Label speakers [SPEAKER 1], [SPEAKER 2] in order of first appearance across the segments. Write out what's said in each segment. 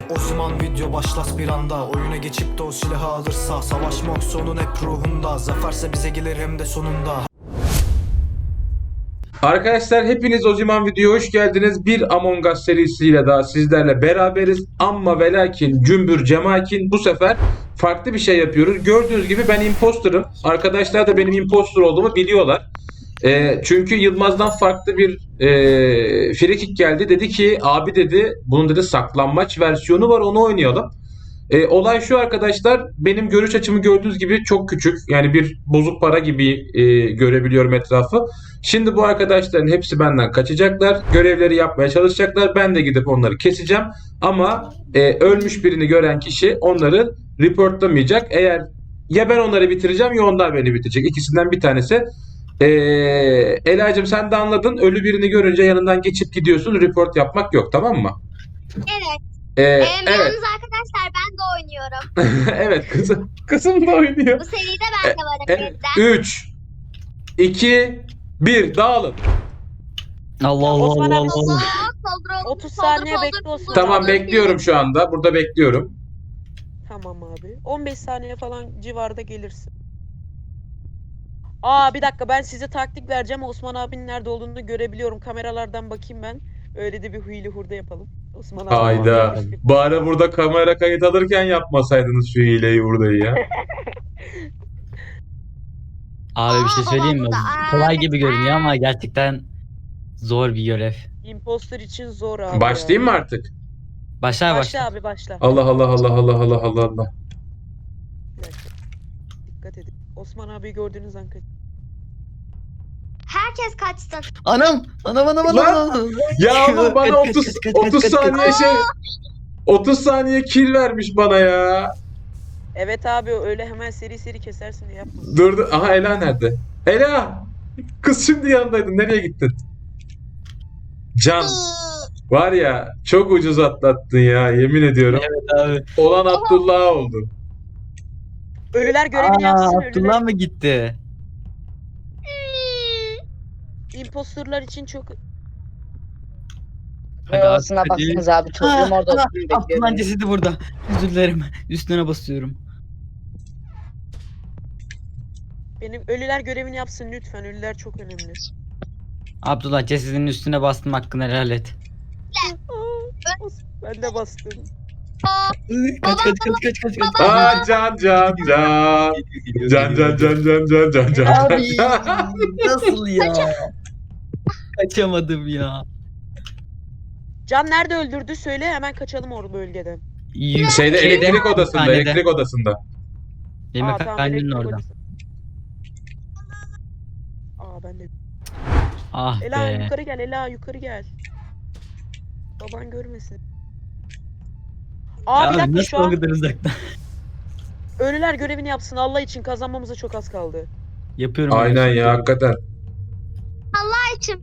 [SPEAKER 1] O zaman video başlas bir anda. Oyuna geçip de o silahı alırsa, savaşmak sonun hep ruhunda. Zaferse bize gelir hem de sonunda.
[SPEAKER 2] Arkadaşlar hepiniz o zaman videoya hoş geldiniz. Bir Among Us serisiyle daha sizlerle beraberiz. Amma ve lakin cümbür cemakin bu sefer farklı bir şey yapıyoruz. Gördüğünüz gibi ben imposter'ım. Arkadaşlar da benim imposter olduğumu biliyorlar. Çünkü Yılmaz'dan farklı bir frikik geldi. Dedi ki abi dedi bunun dedi saklanmaç versiyonu var, onu oynayalım. Olay şu arkadaşlar, benim görüş açımı gördüğünüz gibi çok küçük. Yani bir bozuk para gibi görebiliyorum etrafı. Şimdi bu arkadaşların hepsi benden kaçacaklar. Görevleri yapmaya çalışacaklar. Ben de gidip onları keseceğim. Ama ölmüş birini gören kişi onları reportlamayacak. Eğer ya ben onları bitireceğim ya onlar beni bitirecek. İkisinden bir tanesi. Ela'cığım sen de anladın. Ölü birini görünce yanından geçip gidiyorsun. Report yapmak yok, tamam mı?
[SPEAKER 3] Evet.
[SPEAKER 2] Evet.
[SPEAKER 3] Yalnız arkadaşlar ben de oynuyorum.
[SPEAKER 2] Evet kızım. Kızım da oynuyor.
[SPEAKER 3] Bu seride ben de varım yeniden.
[SPEAKER 2] 3 2 1 dağılın.
[SPEAKER 4] Allah Allah
[SPEAKER 5] Osman
[SPEAKER 4] Allah
[SPEAKER 5] abi,
[SPEAKER 4] Allah.
[SPEAKER 3] Allah.
[SPEAKER 5] 30 saniye bekle Osman.
[SPEAKER 2] Tamam, bekliyorum şu anda. Burada bekliyorum.
[SPEAKER 5] Tamam abi. 15 saniye falan civarda gelirsin. Aa bir dakika, ben size taktik vereceğim. Osman abinin nerede olduğunu görebiliyorum. Kameralardan bakayım ben. Öyle de bir huylu hurda yapalım. Osman abi.
[SPEAKER 2] Hayda. Bari burada kamera kayıt alırken yapmasaydınız şu hileyi buradayı ya.
[SPEAKER 4] Abi bir şey söyleyeyim mi?
[SPEAKER 3] Burada.
[SPEAKER 4] Kolay gibi görünüyor ama gerçekten zor bir görev.
[SPEAKER 5] Imposter için zor abi.
[SPEAKER 2] Başlayayım mı artık?
[SPEAKER 4] Başla
[SPEAKER 5] Başla
[SPEAKER 4] başla.
[SPEAKER 5] abi başla.
[SPEAKER 2] Allah Allah Allah Allah Allah Allah Allah.
[SPEAKER 5] Bir dakika. Dikkat edin. Osman abi gördüğünüz an kaç.
[SPEAKER 3] Herkes kaçsın.
[SPEAKER 4] Anam! Anam anam anam!
[SPEAKER 2] Lan!
[SPEAKER 4] anam.
[SPEAKER 2] Ya oğlum bana
[SPEAKER 4] Kaç,
[SPEAKER 2] 30
[SPEAKER 4] kaç, kaç,
[SPEAKER 2] 30
[SPEAKER 4] kaç, kaç,
[SPEAKER 2] saniye
[SPEAKER 4] kaç.
[SPEAKER 2] 30 saniye kill vermiş bana ya.
[SPEAKER 5] Evet abi, öyle hemen seri seri kesersin diye yapma.
[SPEAKER 2] Dur dur. Aha Ela nerede? Ela! Kız şimdi yanındaydın. Nereye gittin? Can. Var ya çok ucuz atlattın ya, yemin ediyorum.
[SPEAKER 4] Evet abi.
[SPEAKER 2] Olan Abdullah oldu.
[SPEAKER 5] Ölüler görevini yapsın.
[SPEAKER 4] Abdullah mı gitti?
[SPEAKER 5] Imposterlar için çok...
[SPEAKER 4] Hadi abi,
[SPEAKER 6] Arasına
[SPEAKER 4] hadi.
[SPEAKER 6] baksanız abi çocuğum orada oturup bekliyor.
[SPEAKER 4] Abdullah'ın
[SPEAKER 6] beni.
[SPEAKER 4] cesedi burada. Özür dilerim. Üstüne basıyorum.
[SPEAKER 5] Benim ölüler görevini yapsın lütfen. Ölüler çok önemli.
[SPEAKER 4] Abdullah cesedinin üstüne bastım, hakkını helal et.
[SPEAKER 5] Ben de bastım.
[SPEAKER 4] Kaç kaç kaç kaç kaç kaç.
[SPEAKER 2] Aa can. Can.
[SPEAKER 4] Abi nasıl ya? Kaçamadım ya.
[SPEAKER 5] Can nerede öldürdü söyle, hemen kaçalım orada bölgeden.
[SPEAKER 2] Şeyde elektrik odasında,
[SPEAKER 4] Hastanede.
[SPEAKER 2] elektrik odasında.
[SPEAKER 4] Yemekhanenin
[SPEAKER 5] elektrik
[SPEAKER 4] orada.
[SPEAKER 5] odası. Aa ben de.
[SPEAKER 4] Ah
[SPEAKER 5] Ela
[SPEAKER 4] be.
[SPEAKER 5] yukarı gel, Ela yukarı gel. Baban görmesin. Aa bir
[SPEAKER 4] Abi
[SPEAKER 5] dakika,
[SPEAKER 4] nasıl
[SPEAKER 5] şu
[SPEAKER 4] o
[SPEAKER 5] an
[SPEAKER 4] kadar uzakta?
[SPEAKER 5] ölüler görevini yapsın Allah için, kazanmamıza çok az kaldı.
[SPEAKER 4] Yapıyorum.
[SPEAKER 2] Aynen ya, hakikaten.
[SPEAKER 3] Açım.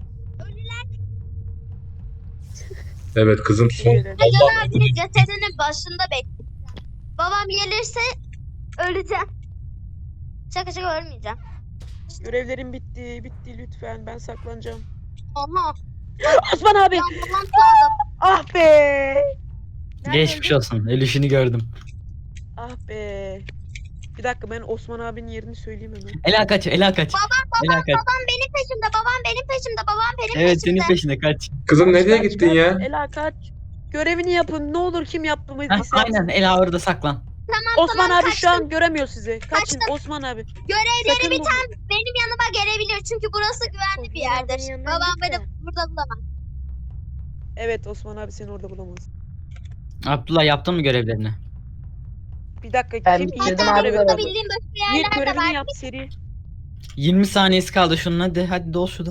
[SPEAKER 2] Evet kızım son.
[SPEAKER 5] Şöyle.
[SPEAKER 3] Can abinin cesedinin başında bekleyeceğim. Babam gelirse öleceğim. Şaka ölmeyeceğim.
[SPEAKER 5] Görevlerim bitti lütfen, ben saklanacağım.
[SPEAKER 3] Oha.
[SPEAKER 5] Osman abi.
[SPEAKER 3] Ben babam kaldım.
[SPEAKER 5] Ah be. Nerede
[SPEAKER 4] Geçmiş
[SPEAKER 5] öldü?
[SPEAKER 4] olsun. Ölüşünü gördüm.
[SPEAKER 5] Ah be. Bir dakika, ben Osman abinin yerini söyleyeyim hemen.
[SPEAKER 4] Ela kaç, Ela kaç. Ela kaç.
[SPEAKER 3] Babam benim peşimde. Babam benim peşimde. Babam benim
[SPEAKER 4] Evet
[SPEAKER 3] peşimde.
[SPEAKER 4] senin peşinde kaç.
[SPEAKER 2] Kızım nereye
[SPEAKER 5] Kaç,
[SPEAKER 2] gittin
[SPEAKER 5] kaç.
[SPEAKER 2] ya?
[SPEAKER 5] Ela kaç. Görevini yapın. Ne olur, kim yaptı mı?
[SPEAKER 4] Heh, aynen Ela orada saklan.
[SPEAKER 5] Osman
[SPEAKER 3] tamam,
[SPEAKER 5] abi şu an göremiyor sizi. Kaçın
[SPEAKER 3] Kaçtım.
[SPEAKER 5] Osman abi.
[SPEAKER 3] Görevleri
[SPEAKER 5] Sakın
[SPEAKER 3] biten benim yanıma gelebilir. Çünkü burası güvenli bir yerdir. Babam beni burada bulamaz.
[SPEAKER 5] Evet, Osman abi seni orada bulamaz.
[SPEAKER 4] Abdullah yaptın mı görevlerini?
[SPEAKER 5] Bir dakika,
[SPEAKER 6] Ben
[SPEAKER 5] kim
[SPEAKER 6] bitirdim
[SPEAKER 5] ilk
[SPEAKER 6] abi
[SPEAKER 3] Hatta
[SPEAKER 5] görevi
[SPEAKER 6] görevi.
[SPEAKER 3] burada
[SPEAKER 5] aldı?
[SPEAKER 3] bildiğim başka
[SPEAKER 5] İlk
[SPEAKER 3] yerler de
[SPEAKER 5] görevini
[SPEAKER 3] var.
[SPEAKER 5] yap seri.
[SPEAKER 4] 20 saniyesi kaldı şunun, hadi dol şurada.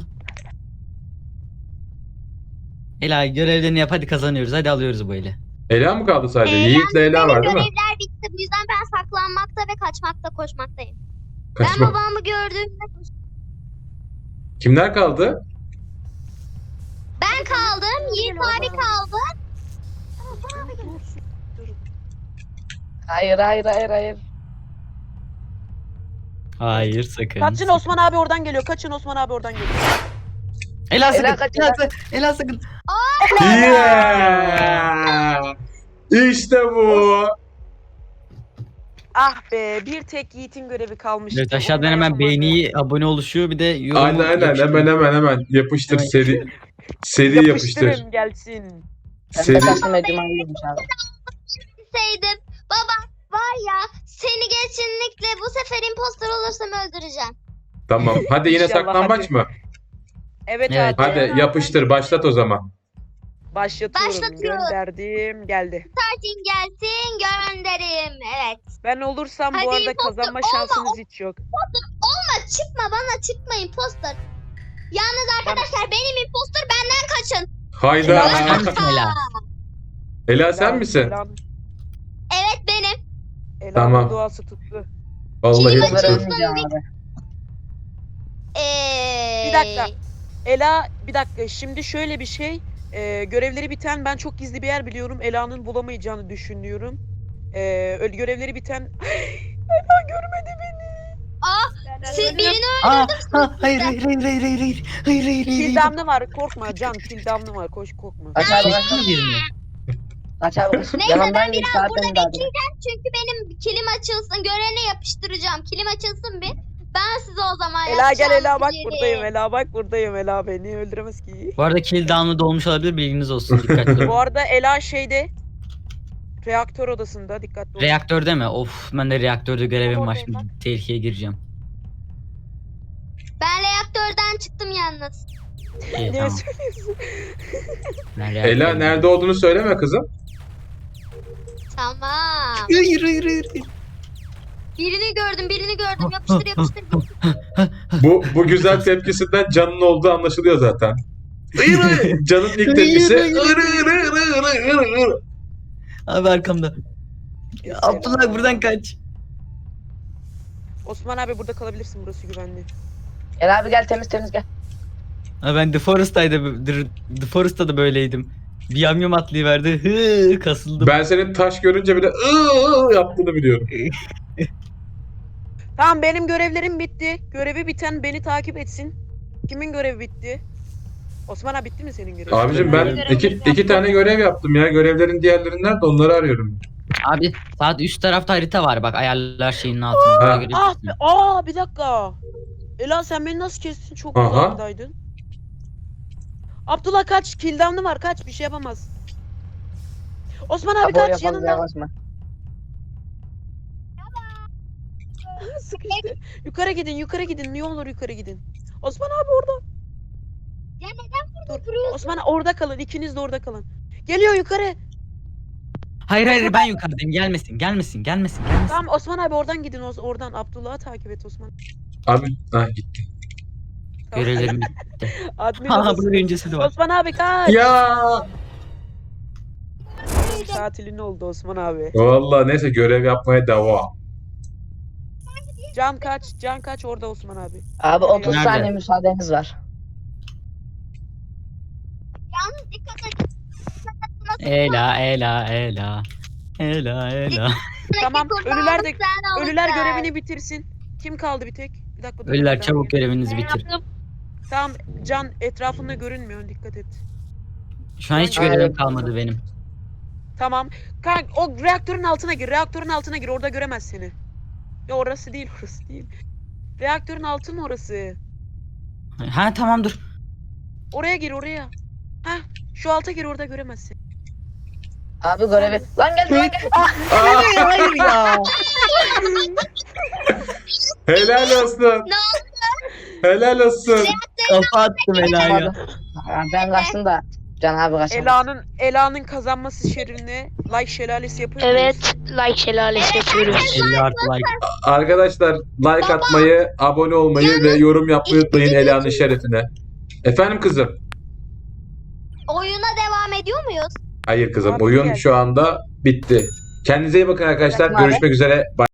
[SPEAKER 4] Ela görevlerini yap, hadi kazanıyoruz, hadi alıyoruz bu eli.
[SPEAKER 2] Ela mı kaldı sadece?
[SPEAKER 3] Yalnız
[SPEAKER 2] Yiğit'le Ela
[SPEAKER 3] benim
[SPEAKER 2] var değil mi?
[SPEAKER 3] görevler bitti. Bu yüzden ben saklanmakta ve kaçmakta koşmaktayım.
[SPEAKER 2] Kaçma.
[SPEAKER 3] Ben babamı gördüğümde
[SPEAKER 2] Kimler kaldı?
[SPEAKER 3] ben kaldım. Yiğit abi kaldı.
[SPEAKER 6] Hayır.
[SPEAKER 4] Hayır sakın.
[SPEAKER 5] Kaçın, Osman abi oradan geliyor. Kaçın, Osman abi oradan geliyor.
[SPEAKER 4] Ela sakın.
[SPEAKER 6] Ela kaç,
[SPEAKER 4] Ela sakın.
[SPEAKER 2] Yeah! İşte bu.
[SPEAKER 5] Ah be, bir tek Yiğit'in görevi kalmıştı.
[SPEAKER 4] Evet,
[SPEAKER 5] Onu
[SPEAKER 4] aşağıdan
[SPEAKER 5] da
[SPEAKER 4] hemen
[SPEAKER 5] yapamadı.
[SPEAKER 4] beğeni, abone oluşuyor. Bir de yorumu
[SPEAKER 2] Aynen
[SPEAKER 4] yapıştırıyor.
[SPEAKER 2] hemen yapıştır
[SPEAKER 4] Hemen
[SPEAKER 2] seri yapıştır.
[SPEAKER 5] Yapıştırın gelsin.
[SPEAKER 6] Ben
[SPEAKER 2] Seri.
[SPEAKER 6] de kaçtım ve Cuma'yıymış abi.
[SPEAKER 3] Bilseydim. Baba var ya seni kesinlikle bu sefer impostor olursam öldüreceğim.
[SPEAKER 2] Tamam. Hadi yine
[SPEAKER 5] İnşallah,
[SPEAKER 2] saklambaç
[SPEAKER 5] hadi.
[SPEAKER 2] mı?
[SPEAKER 5] Evet,
[SPEAKER 4] Evet.
[SPEAKER 2] Hadi yapıştır başlat o zaman.
[SPEAKER 5] Başlatıyorum.
[SPEAKER 3] Başlatıyorum.
[SPEAKER 5] Gönderdim. Geldi.
[SPEAKER 3] Starting gelsin gönderim. Evet.
[SPEAKER 5] Ben olursam
[SPEAKER 3] Hadi
[SPEAKER 5] bu arada
[SPEAKER 3] impostor
[SPEAKER 5] kazanma
[SPEAKER 3] olma,
[SPEAKER 5] şansınız hiç yok.
[SPEAKER 3] Olma çıkma bana çıkma impostor. Yalnız arkadaşlar benim impostor benden kaçın.
[SPEAKER 2] Hayda.
[SPEAKER 4] Sen misin Ela?
[SPEAKER 2] Ela sen misin?
[SPEAKER 3] Evet benim.
[SPEAKER 5] Ela'nın
[SPEAKER 2] Tamam.
[SPEAKER 5] duası tuttu.
[SPEAKER 2] Vallahi
[SPEAKER 3] Kim
[SPEAKER 6] Ben
[SPEAKER 2] tuttu.
[SPEAKER 6] ölmeyeceğim abi.
[SPEAKER 5] Bir dakika. Ela bir dakika. Şimdi şöyle bir şey. Görevleri biten ben çok gizli bir yer biliyorum. Ela'nın bulamayacağını düşünüyorum. Öyle görevleri biten Ela görmedi beni.
[SPEAKER 3] Siz birini
[SPEAKER 4] Hayır.
[SPEAKER 5] Kildamlı var. Korkma Can. Kildamlı var. Koş korkma.
[SPEAKER 6] Kaç abi kaç.
[SPEAKER 4] Çektin mi birini?
[SPEAKER 6] Kaç abi kaç.
[SPEAKER 3] Neyse,
[SPEAKER 6] Yanımdan
[SPEAKER 3] ben
[SPEAKER 6] geç
[SPEAKER 3] biraz
[SPEAKER 6] zaten
[SPEAKER 3] burada
[SPEAKER 6] daha
[SPEAKER 3] bekleyeceğim çünkü benim kilim açılsın. Görene yapıştıracağım. Kilim açılsın bir. Ben size o zaman
[SPEAKER 5] Ela gel
[SPEAKER 3] yapacağım
[SPEAKER 5] Ela bak
[SPEAKER 3] biri.
[SPEAKER 5] buradayım. Ela bak buradayım. Ela beni öldüremez ki.
[SPEAKER 4] Bu arada kill down'da olmuş olabilir, bilginiz olsun. Dikkatli
[SPEAKER 5] Bu
[SPEAKER 4] olun.
[SPEAKER 5] arada Ela şeyde reaktör odasında dikkatli olun.
[SPEAKER 4] Reaktörde mi? Of, ben de reaktörde görevim var.
[SPEAKER 5] Oradayım
[SPEAKER 4] Şimdi tehlikeye gireceğim.
[SPEAKER 3] Ben reaktörden çıktım yalnız.
[SPEAKER 4] İyi,
[SPEAKER 5] Ne
[SPEAKER 4] tamam.
[SPEAKER 5] söylüyorsun?
[SPEAKER 4] Ben
[SPEAKER 2] Ela
[SPEAKER 4] reaktördeyim.
[SPEAKER 2] nerede olduğunu söyleme kızım.
[SPEAKER 3] Tamam.
[SPEAKER 4] Hayır.
[SPEAKER 3] Birini gördüm. Yapıştır.
[SPEAKER 2] Bu güzel tepkisinden Can'ın olduğu anlaşılıyor zaten. Can'ın ilk tepkisi.
[SPEAKER 4] Abi arkamda. Ya, Abdullah buradan kaç.
[SPEAKER 5] Osman abi burada kalabilirsin. Burası güvenli.
[SPEAKER 6] Gel abi gel temiz gel.
[SPEAKER 4] Ha, ben The Forest'ta da böyleydim. Bir yamyam atlayıverdi. Kasıldım.
[SPEAKER 2] Ben senin taş görünce bile yaptığını biliyorum.
[SPEAKER 5] Tamam benim görevlerim bitti. Görevi biten beni takip etsin. Kimin görevi bitti? Osman abi bitti mi senin görevin?
[SPEAKER 2] Abicim ben iki tane görev yaptım ya. Görevlerin diğerleri nerede onları arıyorum.
[SPEAKER 4] Abi saat üst tarafta harita var, bak ayarlar şeyinin altında. Oraya göre
[SPEAKER 5] Ah
[SPEAKER 4] gitsin.
[SPEAKER 5] be, bir dakika. Ela sen beni nasıl kestin? Çok
[SPEAKER 2] Aha.
[SPEAKER 5] uzaktaydın. Abdullah kaç. Kildamlı var kaç. Bir şey yapamaz. Osman abi
[SPEAKER 6] Abi o
[SPEAKER 5] kaç
[SPEAKER 6] yapalım
[SPEAKER 5] yanından.
[SPEAKER 6] yavaş mı?
[SPEAKER 5] Sıkıştı. Yukarı gidin. Ne olur yukarı gidin. Osman abi orada.
[SPEAKER 3] Ya neden burada
[SPEAKER 5] Dur.
[SPEAKER 3] duruyorsun?
[SPEAKER 5] Osman orada kalın. İkiniz de orada kalın. Geliyor yukarı.
[SPEAKER 4] Hayır ben yukarıdayım, gelmesin.
[SPEAKER 5] Tamam Osman abi oradan gidin. Oradan Abdullah'ı takip et Osman.
[SPEAKER 2] Abi gitti.
[SPEAKER 5] Tamam.
[SPEAKER 4] Görevlerim.
[SPEAKER 5] Admin
[SPEAKER 4] Ha
[SPEAKER 5] odası.
[SPEAKER 4] burada öncesi var.
[SPEAKER 5] Osman abi kaç.
[SPEAKER 2] Ya.
[SPEAKER 5] Tatilin oldu Osman abi.
[SPEAKER 2] Vallahi neyse görev yapmaya devam.
[SPEAKER 5] Can kaç orada Osman abi.
[SPEAKER 6] Abi 30
[SPEAKER 4] Nerede?
[SPEAKER 6] saniye müsaadeniz var.
[SPEAKER 3] Yalnız dikkat et.
[SPEAKER 4] Ela.
[SPEAKER 5] Tamam,
[SPEAKER 3] Kurbanlık
[SPEAKER 5] ölüler de-
[SPEAKER 3] sen oldun
[SPEAKER 5] Ölüler
[SPEAKER 3] sen.
[SPEAKER 5] görevini bitirsin. Kim kaldı bir tek? Bir dakika. dur,
[SPEAKER 4] Ölüler
[SPEAKER 5] ben
[SPEAKER 4] çabuk
[SPEAKER 5] bakayım.
[SPEAKER 4] görevinizi bitir.
[SPEAKER 5] Tamam Can etrafında görünmüyor dikkat et.
[SPEAKER 4] Şu an hiç
[SPEAKER 6] Aynen.
[SPEAKER 4] görevim kalmadı benim.
[SPEAKER 5] Tamam. Kanka o reaktörün altına gir. Reaktörün altına gir. Orada göremez seni. Ya orası değil. Reaktörün altı mı orası?
[SPEAKER 4] Ha tamam dur.
[SPEAKER 5] Oraya gir oraya. Heh. Şu alta gir orada göremez seni.
[SPEAKER 6] Abi görevi. Lan gel.
[SPEAKER 4] Hayır ya.
[SPEAKER 2] Helal olsun.
[SPEAKER 3] Ne
[SPEAKER 2] Helal olsun.
[SPEAKER 4] Kafa attım Ela'ya.
[SPEAKER 6] Ben kaçtım da. Can abi kaçamaz.
[SPEAKER 5] Ela'nın kazanması şerine like şelalesi yapıyor muyuz?
[SPEAKER 7] Evet, like şelalesi yapıyoruz.
[SPEAKER 4] 50 artı like.
[SPEAKER 2] Arkadaşlar like atmayı, abone olmayı ve yorum yapmayı unutmayın Ela'nın şerefine. Efendim kızım?
[SPEAKER 3] Oyuna devam ediyor muyuz?
[SPEAKER 2] Hayır kızım
[SPEAKER 5] Abi
[SPEAKER 2] oyun
[SPEAKER 5] geldi.
[SPEAKER 2] şu anda bitti. Kendinize iyi bakın arkadaşlar.
[SPEAKER 6] Bakın abi.
[SPEAKER 2] Görüşmek üzere. Bye.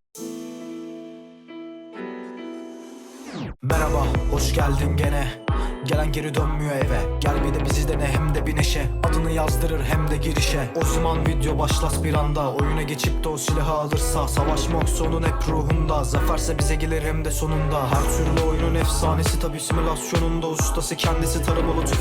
[SPEAKER 1] Merhaba, hoş geldin gene. Gelen geri dönmüyor eve. Gel bir de bizi dene hem de bir neşe. Adını yazdırır hem de girişe. O zaman video başlas bir anda. Oyuna geçip de o silahı alırsa. Savaşmak sonun hep ruhunda. Zaferse bize gelir hem de sonunda. Her türlü oyunun efsanesi tabi simülasyonunda. Ustası kendisi taramalı tüfek.